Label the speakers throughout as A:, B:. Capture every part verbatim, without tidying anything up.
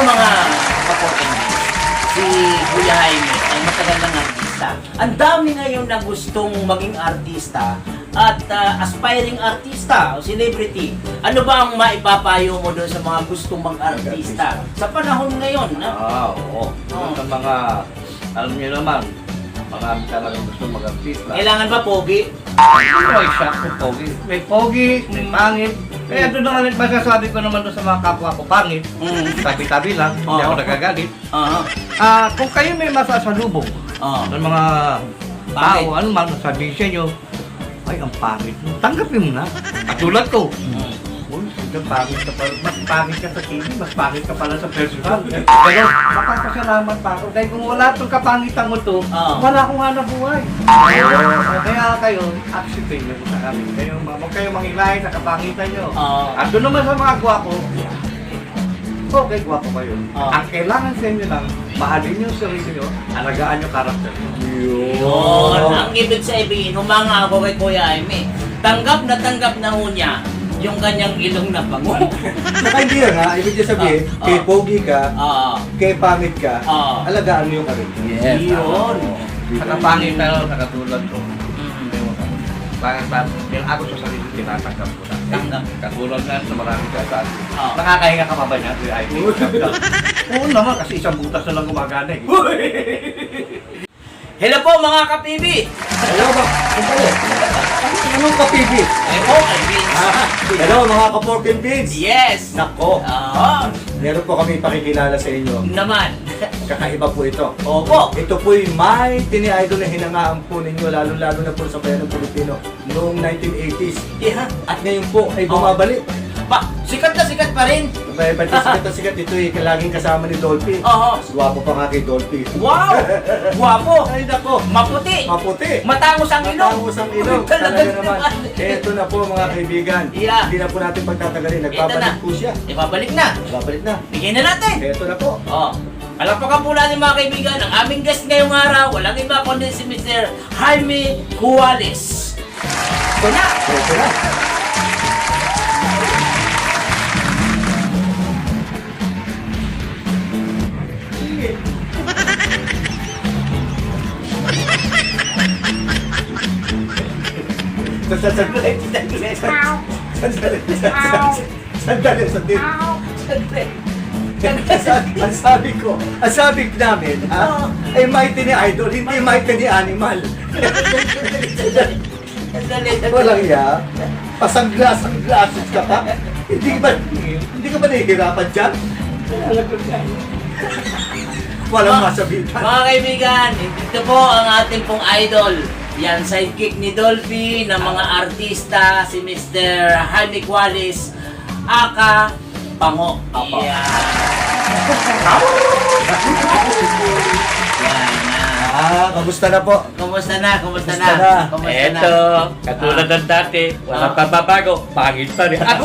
A: mga kapatid, si Kuya Jaime ay matagal ng artista. Ang dami ngayon na gustong maging artista at uh, aspiring artista o celebrity. Ano ba ang maipapayo mo doon sa mga gustong mag-artista sa panahon ngayon? Na?
B: Ah, oo.
A: Oo.
B: Sa mga, alam niyo naman, mga talagang gusto mag-artista.
A: Kailangan ba pogi?
B: May shock, may pogi. May pogi, may pangit. Kaya doon naman rin masasabi ko naman doon sa mga kapwa ko pangit.
A: Mm.
B: Tabi-tabi lang, hindi ako
A: Oo.
B: nagagalit.
A: Ah,
B: Ah, kung kayo may masasalubong
A: ah.
B: ng mga
A: Pangit.
B: tao, ano man, sabihin sa inyo, ay, ang pangit mo. Tanggapin mo na. Katulad ko.
A: Mm.
B: Uy, ang pangit ka pala. Mas pangit ka sa T V, mas pangit ka pala sa personal. Pero, makakasalamat pa ako. Dahil kung wala itong kapangitan mo to,
A: Oo.
B: wala akong hanap buhay. Kaya kayo, acceptin nyo sa amin. Kayo, huwag kayo mangilahin sa kapangitan nyo.
A: Oo.
B: At doon naman sa mga gwapo, okay, gwapo kayo.
A: Oo.
B: Ang kailangan sa inyo lang, mahalin yung sarili nyo, alagaan yung karakter nyo.
A: Yun. Ang ibig sabihin, humanga ako kay Kuya Jaime. Tanggap na tanggap na ho niya yung kanyang ilong na bango.
C: Saka hindi yan ha, ibig niya sabihin,
A: Ah,
C: kay
A: ah.
C: pogi ka,
A: Ah,
C: kay pangit ka,
A: Ah.
C: alagaan mo yung karakter.
A: yun.
B: Sa kapangit pero sa katulad ko,
A: Mm.
B: bakit ba, yung ako sa sarili, tinatanggap ko na.
A: Tanggap.
B: Katulad nga sa maraming kasal.
A: Ah.
B: Nakakahinga ka pa ba niya? I T. Oo naman, kasi isang butas na lang gumagana eh.
A: Hello po mga kapibi!
C: Hello ba? Sandali. Anong kapibi?
A: Eh po, kay Vince.
C: Ah, hello mga ka-pork and beans.
A: Yes!
C: Nako,
A: Ah,
C: meron po kami pakikilala sa inyo.
A: naman.
C: Kakaiba po ito.
A: Opo.
C: Ito po'y may tini-idol na hinangaan po ninyo, lalo-lalo na po sa bayan ng Pilipino noong nineteen eighties.
A: Yeah.
C: At ngayon po ay bumabalik.
A: Pa, sikat na sikat pa rin.
C: May pati sikat na sikat ito eh, laging kasama ni Dolphy.
A: Oo.
C: Mas gwapo pa nga kay Dolphy.
A: Wow! Guwapo!
C: Ay nako,
A: Maputi!
C: maputi.
A: Matangos ang ilong!
C: Matangos ang ilong.
A: Talaga
C: Talaga naman.
A: naman.
C: Ito na po mga kaibigan.
A: Yeah.
C: Hindi na po natin pagtatagalin.
A: Ito na.
C: Nagpapalik po siya.
A: Ibabalik na.
C: Babalik na.
A: Bigyan na natin.
C: Ito na po.
A: Oh. Palakpakan po natin mga kaibigan, ang aming guest ngayong araw, walang iba kundi si Mister Jaime Cuales. Ito na!
C: Ito na. Sandali, sandali, sandali, sandali, sandali. Ang sabi ko, ang sabi namin, ha, ay mighty ni Idol, hindi mighty ni Animal. Walang iya. Pasanglas-sanglases ka pa. Hindi ba, hindi ka ba nahihirapan dyan? Walang masabitan.
A: Mga kaibigan, ito po ang ating pong idol. Yan, sidekick ni Dolphy ng mga artista, si Mister Jaime Cuales, aka Pango.
C: Apa.
A: Yan. Yan na.
C: Ah, kamusta na po?
A: Kumusta na? Kumusta na?
C: Kumusta na?
A: Kumusta na?
B: Eto, katulad ng dati,
A: Ah.
B: walang pababago, pangit pa rin. Ako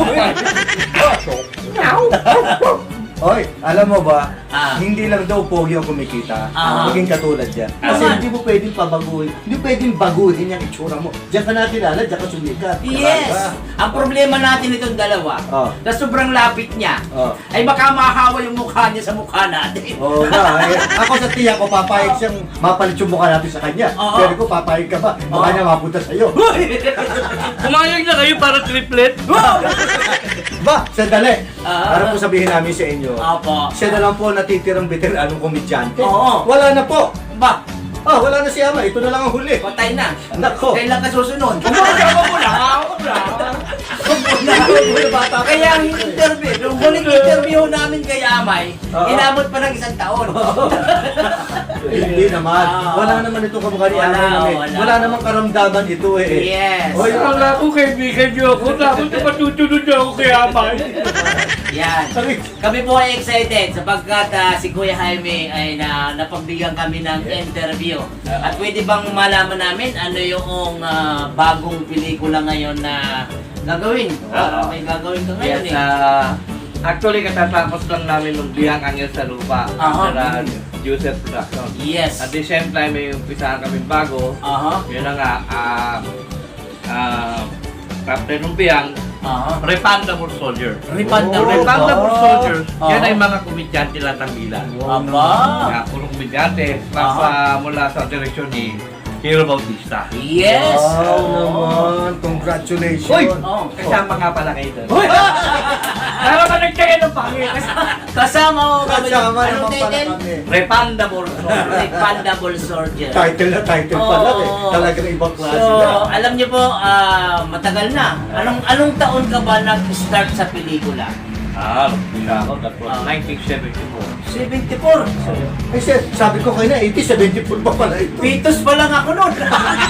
C: Hoy, alam mo ba,
A: Ah.
C: hindi lang daw pogi ang kumikita,
A: Ah.
C: maging katulad yan. Kasi
A: Naman.
C: hindi mo pwedeng pabaguhin, hindi pwedeng baguhin yung itsura mo. Diyan ka natin kilala, diyan ka sumikat.
A: Yes!
C: Diba?
A: Ang problema natin itong dalawa,
C: Oh.
A: na sobrang lapit niya,
C: Oh.
A: ay baka mahawa yung mukha niya sa mukha natin.
C: Oo nga, eh. Ako sa tiya ko, papayag siyang mapalit yung mukha natin sa kanya.
A: Oo.
C: Pero ko, papayag ka ba? Mukha
A: Oo.
C: niya mapunta sa'yo.
B: Kumayag na kayo para triplet.
C: Ba, sandali.
A: Ah.
C: Para po sabihin namin sa inyo,
A: Opo.
C: siya na lang po natitirang veteranong komedyante.
A: Oo.
C: Wala na po.
A: Ba,
C: Ah, wala na si Ama. Ito na lang ang huli.
A: patay na.
C: Nako.
A: Kailan ka susunod? Kumakawa mo lang. Ako lang.
C: Wala bata pa.
A: Kaya ang interview, yung huling interview namin kay Amay,
C: Oo.
A: inabot pa ng isang taon.
C: Hindi naman.
A: Ah.
C: Wala naman itong kamukha ni
A: Wala,
C: Ama namin.
A: wala.
C: Wala namang karamdaman ito eh.
A: Yes.
C: Hoy,
B: Wala ko kaibigan niyo ako, dapat matutunod niyo ako kay Amay.
A: Yan.
C: Sabi,
A: Kami po ay excited sapagkat ah, si Kuya Jaime ay na napagbigyan kami ng interview. At pwede bang malaman namin ano yung ah, bagong pelikula ngayon na gagawin?
B: Oo.
A: May gagawin ka ngayon
B: Yes,
A: eh.
B: ah, actually katatapos lang namin ng Biyang Angel sa Lupa
A: Aha.
B: sa Joseph Production.
A: Yes.
B: At the same time, may umpisahan kami bago.
A: Aha.
B: Yun na nga, ah, ah, Captain ng Biyang,
A: Aha.
B: Refundable Soldier.
A: Refundable.
C: Oh,
B: Refundable
C: ba?
B: Soldiers,
A: Oo.
B: yan ay mga komedyante lang ng bilan.
A: Aba.
B: Kaya puro komedyante, nasa mula sa direksyon ni Hero Bautista.
A: Yes.
C: Wow
A: Oo.
C: naman. Congratulations.
B: Uy!
A: Oh.
B: Kasama nga pala kayo doon.
A: Uy!
B: Para ba nagkaya ng pangit?
A: Kasama ko kami.
C: Kasama
A: Anong
C: naman pala
A: title?
C: kami.
B: Refundable Soldier.
A: Refundable Soldier.
C: Title na title pa lang eh.
A: Oo.
C: Talagang ibang klase
A: So,
C: na.
A: alam niyo po, ah, matagal na. Anong anong taon ka ba nag-start sa pelikula?
B: Ah, siya ako. That was
A: Ah.
B: nineteen seventy-four.
A: seventy-four.
C: Eh, sir, sabi ko kayo na, eighty, seventy-four pa pala ito.
A: Pitos pa lang ako noon.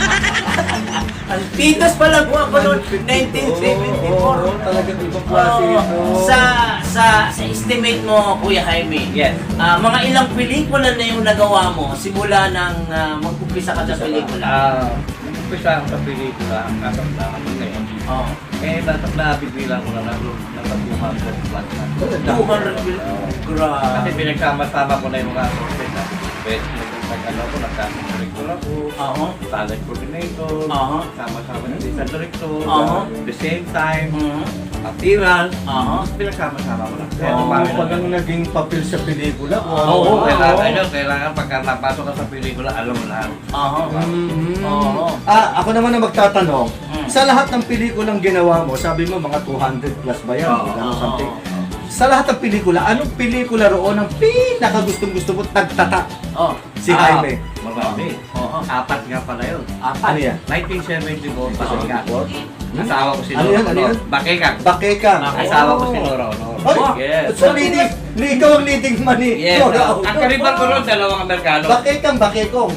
A: Ang pitos pa lang ako noon, nineteen seventy-four.
C: Oo, oo, talagang ibang klase
A: Oo.
C: ito.
A: Sa sa sa estimate mo, Kuya Jaime.
B: Yes.
A: Ah, mga ilang pelikula na yung nagawa mo simula nang ah, mag-umpisa ka sa pelikula?
B: Ah, umpisa ako sa pelikula, ang kasap na kami ngayon.
A: Oh.
B: Eh, natak na bigla ko na nalo, nasa two hundred plus na.
A: two hundred mil.
B: Kasi
A: Grabe.
B: pinagsama-sama ko na yung mga sources na pwede nag-ano ko, nagkasang ako,
A: Oo.
B: talent coordinator,
A: Aha.
B: sama-sama na sa director,
A: Aha.
B: the same time,
A: Mhm.
B: appearance,
A: Aha.
B: pinagsama-sama ko na. Kaya
C: Oo,
B: marami
C: pag
B: na.
C: ang naging papel sa pelikula.
B: Oo,
A: Oo.
B: kailangan, ano, kailangan pagka napasok ka sa pelikula, alam mo lahat.
A: Aha.
C: Mhm.
A: Oo.
C: Ah, ako naman ang magtatanong.
A: Mm.
C: Sa lahat ng pelikulang ginawa mo, sabi mo mga two hundred plus ba yan?
B: Oo.
C: Ganun
A: Oo.
C: something. Sa lahat ng pelikula, anong pelikula roon ang pinakagustong-gusto mo nagtata?
A: Oh.
C: Si
B: Ah,
C: Jaime.
B: Marami.
A: Oo.
B: Apat nga pala yun.
A: Apat.
C: Ano yan?
B: nineteen seventy-four, Bakekang.
C: What?
B: Asawa ko si
C: Ano
B: Nora
C: yan? Ano
B: Honor.
C: yan?
B: Bakekang.
C: Bakekang.
B: Asawa ko si Nora Honor.
C: Ay,
B: Yes.
C: so leading, li- ikaw ang leading man eh.
B: Yes.
C: Nora
B: ah,
C: Honor.
B: Ang karibal ko ron, dalawang Amerikano.
C: Bakekang, bakekong.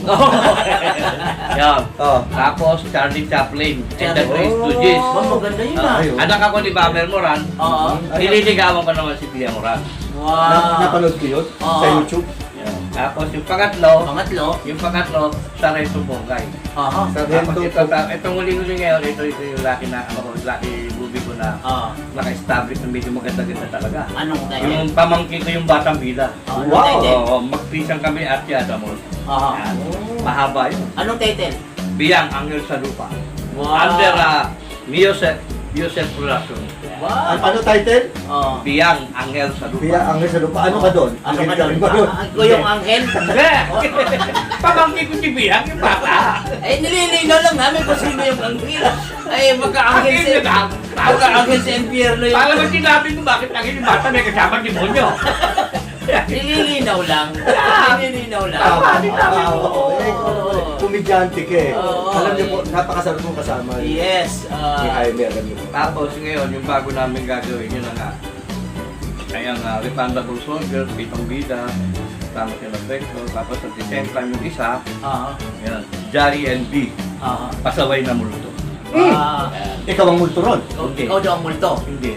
B: Yan.
C: Oh.
B: Tapos Charlie Chaplin and the
A: Charlie.
B: Three Stooges.
A: Oh, maganda yun
B: Ah,
A: ah.
C: Ayun.
B: anak ako ni Babel Moran.
A: Oo.
B: Nililigawan ko naman si Pia Moran.
C: Na,
A: Wow.
C: napanood ko yun
A: Oo.
C: sa YouTube.
B: Yan. Tapos yung pangatlo,
A: Pangatlo.
B: yung pangatlo, Sarento Bongay.
A: Aha.
C: Sa
B: Tapos
C: Rento
B: ito, ta- itong huli-huli ngayon, ito, ito yung laki na, ano, laki movie ko na
A: Ah.
B: naka-establish na medyo maganda-ganda talaga.
A: Anong title?
B: Yung pamangkin ko yung Batang Bida.
A: Ah, anong
C: Wow.
A: title?
B: Oo, magpisang kami at Yadamos.
A: Aha.
B: Yan. Mahaba yun.
A: Anong title?
B: Biyang Angel sa Lupa.
A: Wow.
B: Under uh, Miosef, Miosef Production.
C: Ano,
A: Wow.
C: ano title?
A: Oh.
B: Biyang Angel sa Lupa.
C: Biya ang sa lupa. Ano ka doon?
A: Ano
C: Angel
A: ka
C: ka
A: doon?
C: rin ba doon?
A: Ah, Ako yung anghel?
B: Hindi! Pamangkin ko si Biyang, yung bata.
A: Eh, nililinaw lang namin kung sino yung anghel. Ay, magka-anghel
B: Anghel
A: si...
B: yun, ah.
A: Magka-anghel si Impierno yun.
B: Para ba sinabi mo bakit angel yung bata may kasama demonyo?
A: Nililinaw lang.
B: Ah.
A: Nililinaw lang.
B: Tama, di sabi mo.
C: Oo, eh,
A: Oo.
C: Kumidyante ka eh.
A: Oo.
C: Alam niyo po, napakasarap mong kasama ni
A: Yes.
C: ni
A: ah,
C: Jaime. Alam niyo po.
B: Tapos ngayon, yung bago namin gagawin yun na nga. Ay ang uh, Refundable Soldier, Pitong Bida, tapos yung Vector, tapos at the same time yung isa,
A: ah,
B: yan, Jari and B,
A: ah,
B: Pasaway na Multo.
A: ah.
C: Ikaw ang multuron.
A: Ikaw,
B: Okay.
A: ikaw daw ang multo.
B: Hindi.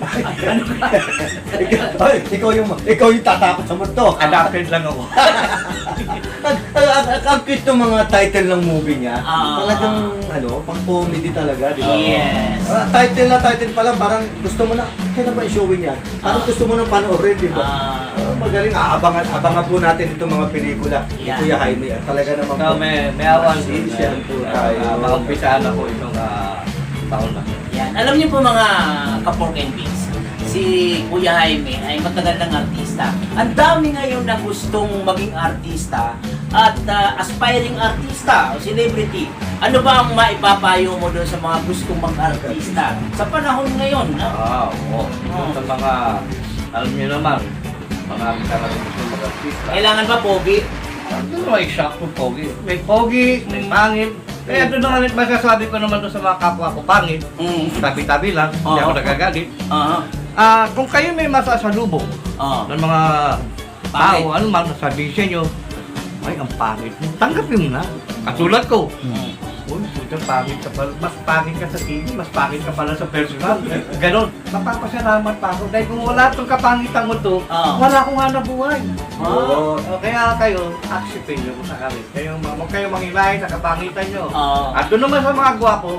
C: ikaw, ay, ikaw yung ikaw yung tatakot sa multo.
B: Adapted lang ako.
C: Ang ang- ang- ang cute ng mga title ng movie niya.
A: Ah.
C: Talagang ano, pang comedy talaga, di ba?
A: Yes.
C: Ah, title na title pa lang, parang gusto mo na, kailan ba i-showing yan? Parang
A: Ah.
C: gusto mo nang panoorin, di ba?
A: Ah.
C: Ah, magaling, aabangan, abangan po natin itong mga pelikula ni
A: Yan.
C: Kuya Jaime. At talaga naman
B: So, may, may awan po.
C: Masisyan po tayo.
B: Uh, Maumpisaan ako itong uh, taon na.
A: Yan. Alam niyo po mga ka-pork and beans, si Kuya Jaime ay matagal ng artista. Ang dami ngayon na gustong maging artista at ah, aspiring artista o celebrity. Ano ba ang maipapayo mo doon sa mga gustong mag-artista sa panahon ngayon?
B: Ah,
A: ah?
B: oo. Sa mga, alam niyo naman, mga talagang gusto mag-artista.
A: Kailangan ba pogi?
B: Ano may shock kung pogi? May pogi, may pangit. Kaya doon naman masasabi ko naman doon sa mga kapwa ko pangit.
A: Mm.
B: Tabi-tabi lang, hindi
A: Oo.
B: ako nagagalit.
A: Ah.
B: Ah, kung kayo may masasalubong
A: Ah.
B: ng mga
A: Pangit.
B: tao, ano man sabihin sa inyo, ay, ang pangit mo. Tanggapin mo na. Katulad ko.
A: Mm.
B: Uy, puta, pangit ka pala. Mas pangit ka sa T V, mas pangit ka pala sa personal. Ganon. Mapapasalamat pa ako. Dahil kung wala itong kapangitan mo to,
A: Ah.
B: wala akong hanap buhay.
C: Oo.
B: O, kaya kayo, acceptin nyo kung sakali. Kayo, huwag kayo mangilahin sa kapangitan nyo.
A: Ah.
B: At doon naman sa mga gwapo,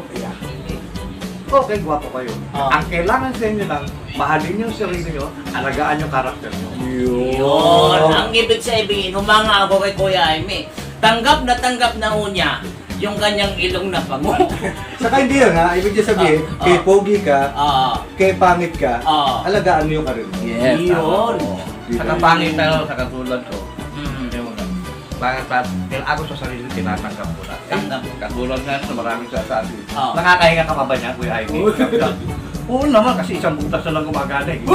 B: okay, gwapo kayo.
A: Ah.
B: Ang kailangan sa inyo lang, mahalin yung sarili nyo, alagaan yung karakter nyo.
A: Yun. Ang ibig sabihin, humanga ako kay Kuya Jaime. Tanggap na tanggap na ho niya yung kanyang ilong na pango.
C: Saka hindi yun ha, ibig niya sabihin,
A: Ah,
C: kay
A: ah.
C: pogi ka,
A: Ah,
C: kay pangit ka,
A: Ah.
C: alagaan mo yung karir mo.
B: Yes,
A: Yun.
B: tama. Sa kapangit na sa katulad ko,
A: mm,
B: yung bakit pa, ako sa sarili tinatanggap ko na.
A: Tanggap.
B: Eh, katulad nga sa maraming sasabi.
A: Oo.
B: Nakakahinga ka pa ba niya, Kuya Ivy? Oo naman, kasi isang butas na lang gumagana eh.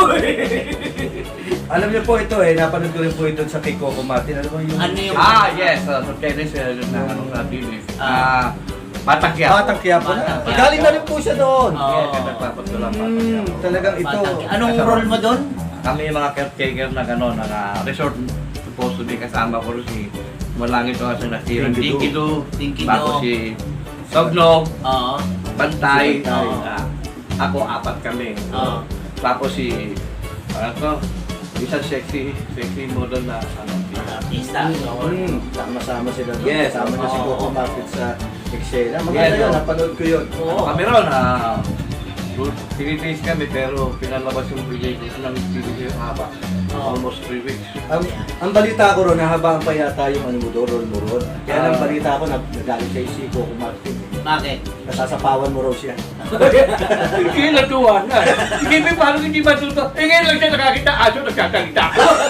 C: Alam niyo po ito eh, napanood ko rin po ito sa kay Coco Martin. Ano ba yung...
A: Ano yung-
B: Ah, yes. Uh, so, Tennis, uh, yun na ano sa T V.
A: Ah.
B: Ah, Batang Quiapo.
C: Batang Quiapo na.
A: Batang Quiapo.
C: Galing na rin po siya doon.
A: Oo.
B: Yes, yung nagpapatulang Batang
C: Hmm,
B: Quiapo.
C: talagang ito.
A: Batang- Anong role mo doon?
B: Kami yung mga caretaker na gano'n, na uh, resort supposed to be kasama ko rin si Malangit ko kasi nasirang
C: Tinky
B: Tinky Do,
A: Tinky
B: tapos
A: Do.
B: si Sognog,
A: Oo.
B: Bantay,
C: Si Bantay.
B: ah, ako apat kami.
A: Oo.
B: Tapos si, ano to, isang sexy, sexy model na ano,
A: Artista.
C: Hmm, sama-sama sila doon.
B: Yes,
C: Kasama na si
A: oo.
C: Coco Martin sa Excel. Maganda
B: Yes,
C: yun,
B: oo.
C: napanood ko yun.
A: Oo.
B: kami ron, ah, tinitrace kami pero pinalabas yung pelikula ng pelikula haba.
A: Oo.
B: Almost three weeks.
C: Ang, ang balita ko ron, nahabaan pa yata yung ano mo doon, role mo ron. Kaya lang
B: Ah.
C: balita ko, nag- nagalit siya si Coco Martin.
A: Bakit?
C: Nasasapawan mo raw siya.
B: Hindi natuwa na. Hindi paano hindi matuto. Eh ngayon lang siya nakakita aso nagkakalita.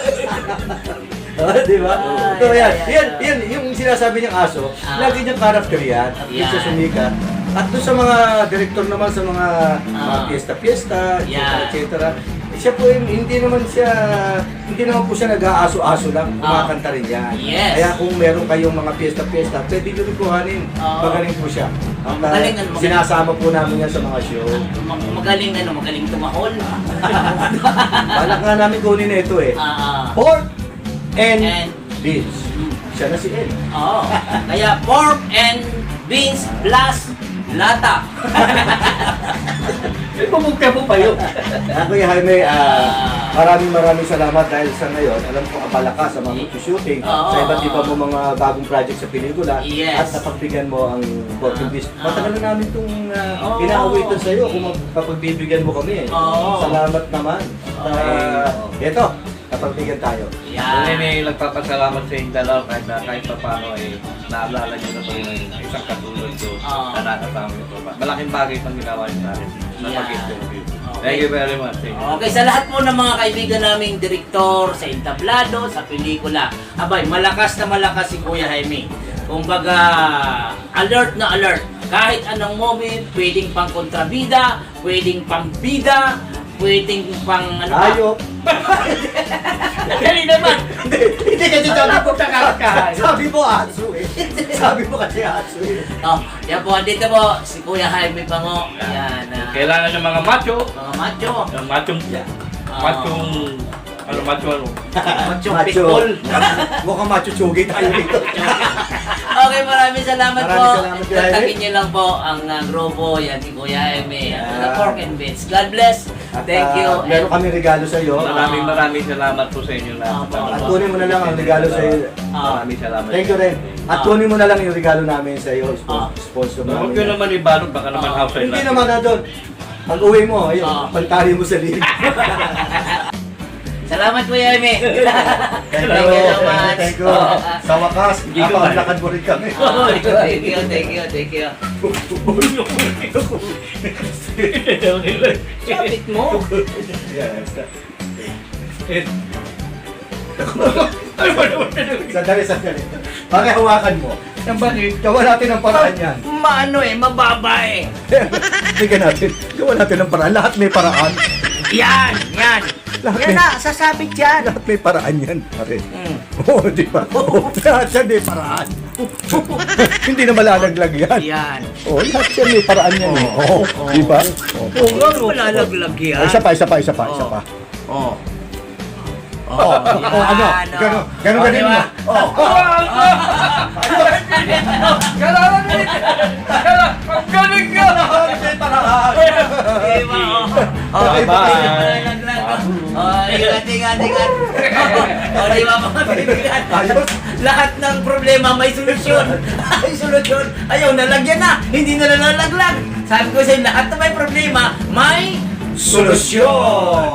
C: Oh, di ba?
A: Ah,
C: So,
A: yeah,
C: yan,
A: yeah,
C: yan,
A: yeah.
C: yan, yung sinasabi niyang aso,
A: Ah.
C: lagi niyang character yan, at
A: Yan.
C: yeah. sumikat. At doon sa mga director naman sa mga, mga
A: Ah.
C: piyesta-piyesta, et cetera,
A: Yeah.
C: et cetera, siya po, yung- hindi naman siya, hindi naman po siya nag-aaso-aso lang,
A: Ah.
C: kumakanta rin yan.
A: Yes.
C: Kaya kung meron kayong mga piyesta-piyesta, pwede nyo rin kuhanin.
A: Ah.
C: Magaling po siya. At, uh,
A: Magaling, ano, magaling.
C: sinasama po namin yan sa mga show.
A: Mag- Magaling ano, magaling tumahol.
C: Balak nga namin kunin na ito eh.
A: Ah.
C: Pork and,
A: And-
C: beans.
A: Mm.
C: Siya na si El.
A: Oo. Kaya pork and beans plus lata.
B: Pumugka mo pa yun.
C: Ah, Kuya Jaime, ah,
A: Ah.
C: maraming maraming salamat dahil sa ngayon, alam ko abala ka sa mga shooting,
A: Oo.
C: sa iba't iba mo mga bagong project sa pelikula,
A: Yes.
C: at napagbigyan mo ang pork and beans.
A: Ah.
C: Matagal na namin itong
A: Oo.
C: uh, inaawitan sa iyo kung magpapagbibigyan mo kami.
A: Oo.
C: Salamat naman. Uh,
B: Okay.
C: ito, napagbigyan tayo.
B: Kung
A: Yan.
B: may nagpapasalamat sa inyong dalawa kahit na kahit pa paano eh, naalala nyo na ba yung isang katulad ko
A: Ah.
B: na nakasama ito ba? Malaking bagay itong ginawa nyo sa akin na
A: Yeah.
B: mag-interview.
A: Okay.
B: Thank you very much. Thank you.
A: Okay, sa lahat po ng mga kaibigan naming direktor, sa entablado, sa pelikula, abay, malakas na malakas si Kuya Jaime. Kumbaga, alert na alert. Kahit anong movie, pwedeng pang kontrabida, pwedeng pang bida, pwedeng pang ano ba?
C: Ayop.
A: Dali naman!
C: Hindi, hindi kasi sabi ko,
B: Nakakakahay.
C: sabi mo aso eh. Sabi mo kasi aso eh.
A: Oh, yan po, dito po, si Kuya Jaime Pango. Yan, ah,
B: Kailangan ng mga macho,
A: mga macho.
B: ng machong,
A: Ah.
B: machong, ano, macho ano.
A: Macho
C: Macho.
A: pitbull.
C: Mukhang macho chugi tayo dito.
A: Okay, maraming salamat
C: Maraming
A: po.
C: salamat, Kuya Jaime.
A: Kontakin niyo lang po ang uh, grupo, yan si Kuya Jaime, at
C: Yeah.
A: the Pork and Beans. God bless.
C: At,
A: Thank you.
C: ah, meron kami regalo sa iyo.
B: Maraming maraming salamat po sa inyo lahat.
A: Ah,
C: At kunin mo na lang ang regalo sa iyo.
A: Ah.
B: Maraming salamat.
C: Thank you rin. At
A: Ah.
C: kunin mo na lang yung regalo namin sa iyo.
A: Ah.
C: Sponsor
B: Huwag
C: namin.
B: ko naman ibalot, baka naman
A: Ah.
B: outside
C: Hindi naman na doon. Pag uwi mo, ayun,
A: Ah.
C: pantali mo sa liig.
A: Salamat Kuya Jaime.
C: Thank
A: Thank you so much.
C: Thank you.
A: Ah.
C: Sa wakas,
B: Hindi ko
C: napaglakad mo rin kami.
A: Oh, thank you, thank you, thank you. Kapit mo.
C: Yes.
B: Ay, wala, wala.
C: Sandali, sandali. Bakit hawakan mo?
B: Ang bakit?
C: Gawa natin ang paraan yan.
A: Maano eh, mababa eh.
C: Bigyan natin. Gawa natin ang paraan. Lahat may paraan.
A: Yan, yan.
C: Lahat
A: Yan
C: may,
A: na, sasabit yan.
C: lahat may paraan yan, pare.
A: Mm.
C: Oo, di ba? Lahat yan may paraan. Hindi na malalaglag yan.
A: Yan.
C: Oo, lahat yan may paraan yan. eh. Oo, di ba? Oo.
A: Oo, nga, wala laglag yan.
C: Ay, isa pa, isa pa, isa pa, isa pa.
A: Oh.
C: Oh, oh, ano? Gano'n, gano'n, gano'n mo. Oh,
B: Kailangan mo rin! Kailangan! Ang galing ka!
C: may paraan.
A: Diba, oh. Oh,
C: Bye, bye.
A: laglag. Oh, ingat, ingat, ingat. Oh, di ba mga kaibigan?
C: Ayos.
A: Lahat ng problema may solusyon. Ay, solusyon. Ayaw, nalagyan na. Hindi na nalalaglag. Sabi ko sa'yo, lahat na may problema, may solusyon.